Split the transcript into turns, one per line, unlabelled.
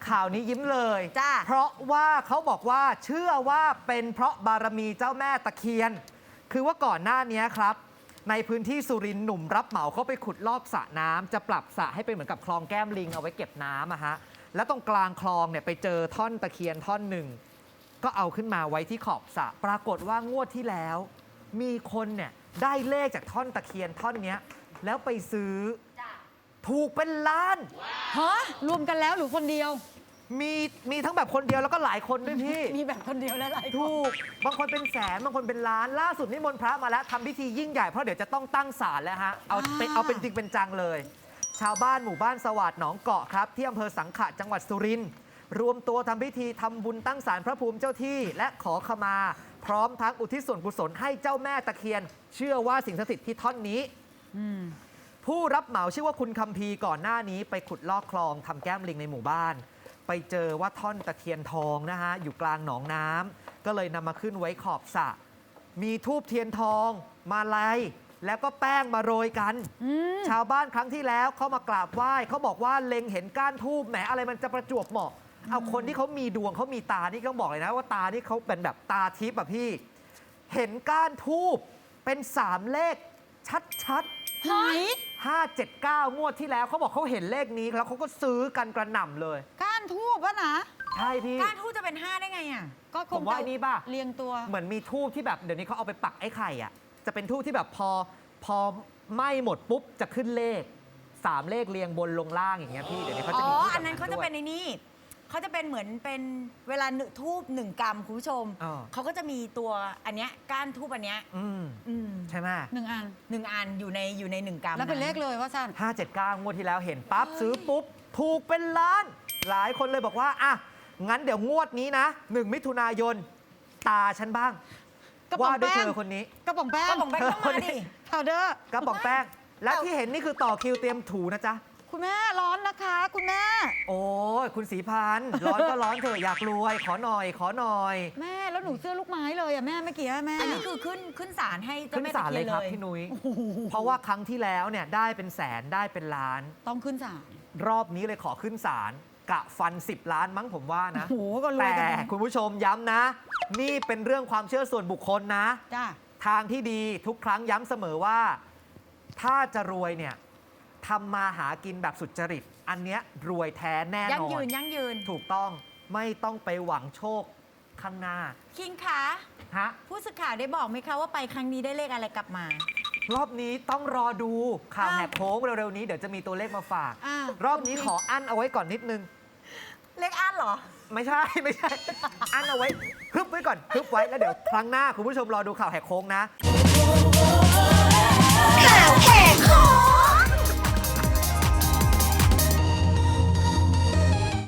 ข่าวนี้ยิ้มเลย
จ้า
เพราะว่าเขาบอกว่าเชื่อว่าเป็นเพราะบารมีเจ้าแม่ตะเคียน คือว่าก่อนหน้านี้ครับ ในพื้นที่สุรินทร์หนุ่มรับเหมาเขาไปขุดลอกสระน้ำจะปรับสระให้เป็นเหมือนกับคลองแก้มลิงเอาไว้เก็บน้ำอะฮะแล้วตรงกลางคลองเนี่ยไปเจอท่อนตะเคียนท่อนหนึ่งก็เอาขึ้นมาไว้ที่ขอบสระปรากฏว่างวดที่แล้ว มีคนเนี่ยได้เลขจากท่อนตะเคียนท่อนเนี้ยแล้วไปซื้อถูกเป็นล้าน
ฮะรวมกันแล้วหรือคนเดียว
มีทั้งแบบคนเดียวแล้วก็หลายคนด้วยพี่
มีแบบคนเดียวและหลายคน
ถูกบางคนเป็นแสนบางคนเป็นล้านล่าสุดนิมนต์พระมาแล้วทำพิธียิ่งใหญ่เพราะเดี๋ยวจะต้องตั้งศาลแล้วฮะเอาเป็นจริงเป็นจังเลย ชาวบ้านหมู่บ้านสวัสดิ์หนองเกาะครับที่อำเภอสังขะจังหวัดสุรินทร์รวมตัวทำพิธีทำบุญตั้งศาลพระภูมิเจ้าที่และขอขมา พร้อมทั้งอุทิศส่วนกุศลให้เจ้าแม่ตะเคียน เชื่อว่าสิ่งศักดิ์สิทธิ์ที่ท่อนนี้ ผู้รับเหมาชื่อว่าคุณคัมภีร์ก่อนหน้านี้ไปขุดลอกคลองทำแก้มลิงในหมู่บ้าน ไปเจอว่าท่อนตะเคียนทองนะฮะอยู่กลางหนองน้ำก็เลยนำมาขึ้นไว้ขอบสระมีธูปเทียนทองมาลัยแล้วก็แป้งมาโรยกัน ชาวบ้านครั้งที่แล้วเขามากราบไหว้เขาบอกว่าเล็งเห็นก้านธูปแหมอะไรมันจะประจวบเหมาะเอาคนที่เขามีดวงเขามีตานี่ต้องบอกเลยนะว่าตานี่เขาเป็นแบบตาทิพย์อะพี่ เห็นก้านธูปเป็น3เลขชัดๆ
ไหน
579 งวดที่แล้วเขาบอกเขาเห็นเลขนี้แล้วเขาก็ซื้อกันกระหน่ำเลย
ก้านทูบวะนะ
ใช่พี่
ก้านทูตจะเป็น 5 ได้ไงอ่ะ
ก็ค
ผ
ง
มว่า
จะ
ไอ้นี่ป่ะ
เรียงตัว
เหมือนมีทูบที่แบบเดี๋ยวนี้เขาเอาไปปักไอ้ไข่อ่ะจะเป็นทูบที่แบบพอไหม้หมดปุ๊บจะขึ้นเลข3เลขเรียงบนลงล่างอย่างเงี้ยพี่เดี๋ยวนี้เขา
อ๋
จะ
อ
มีทูบ
อันนั้นเขาจะ
ด้วย
เป็นในนี่เขาจะเป็นเหมือนเป็นเวลาทูบ1 กรัมคุณผู้ชม
อ๋อ
เขาก็จะมีตัวอันเนี้ยก้านทูบอันเนี้ย
ใช่ไหม
1 อัน
1 อันอยู่ใน1 กรัม
แล้วเป็นเลขเลยว่าสั้น
579 งวดที่แล้วเห็นปั๊บซื้อปุ๊บ ถูกเป็นล้าน หลายคนเลยบอกว่าอ่ะงั้นเดี๋ยวงวดนี้นะ1 มิถุนายนตาฉันบ้าง
กระป๋อง
ว่าด้วย
แป้ง
เธอคนนี้
กระป๋องแป้ง
ก็บอกไปต้องมาดิ
พาวเดอร์
กระป๋องแป้ง และที่เห็นนี่คือต่อคิวเตรียมถูนะจ๊ะ
คุณแม่ร้อนนะคะ คุณแม่
โอ้ยคุณศรีพันธ์ร้อนก็ร้อนเถอะอยากรวย ขอหน่อย ขอหน่อย
แม่แล้วหนูเสื้อลูกไม้เลยอ่ะแม่เมื่อกี้อะแม่
อันนี้คือขึ้นศาลให้เจ้า
ขึ้น
แม่
ศา
ตะ
ล
เคี
เลย ย
น
ครับ
เลย
พี่นุ้ย เพราะว่าครั้งที่แล้วเนี่ยได้เป็นแสนได้เป็นล้าน
ต้องขึ้นศาล
รอบนี้เลยขอขึ้นศาลกะฟัน 10 ล้านมั้งผมว่านะ
โอ้โหก็รวย
แต่
กันนะ
คุณผู้ชมย้ำนะ นี่เป็นเรื่องความเชื่อส่วนบุคคลนะ
จ้า
ทางที่ดีทุกครั้งย้ำเสมอว่า ถ้าจะรวยเนี่ยทำมาหากินแบบสุจริต อันเนี้ยรวยแท้แน่
ยั่
น
ง
อน
ยืน
ถูกต้องไม่ต้องไปหวังโชคข้างหน้า
คิงคะ
ฮะ
ผู้สื่อข่าวได้บอกไหมคะว่าไปครั้งนี้ได้เลขอะไรกลับมา
รอบนี้ต้องรอดูข่าวแหกโค้งเร็วๆนี้เดี๋ยวจะมีตัวเลขมาฝาก
อ้าว
รอบนี้ขออั้นเอาไว้ก่อนนิดนึง
เลขอันเหรอ
ไม่ใช่ อั้นเอาไว้ฮึบไว้ก่อนฮึบไว้แล้วเดี๋ยวครั้งหน้าคุณผู้ชมรอดูข่าวแหกโค้งนะ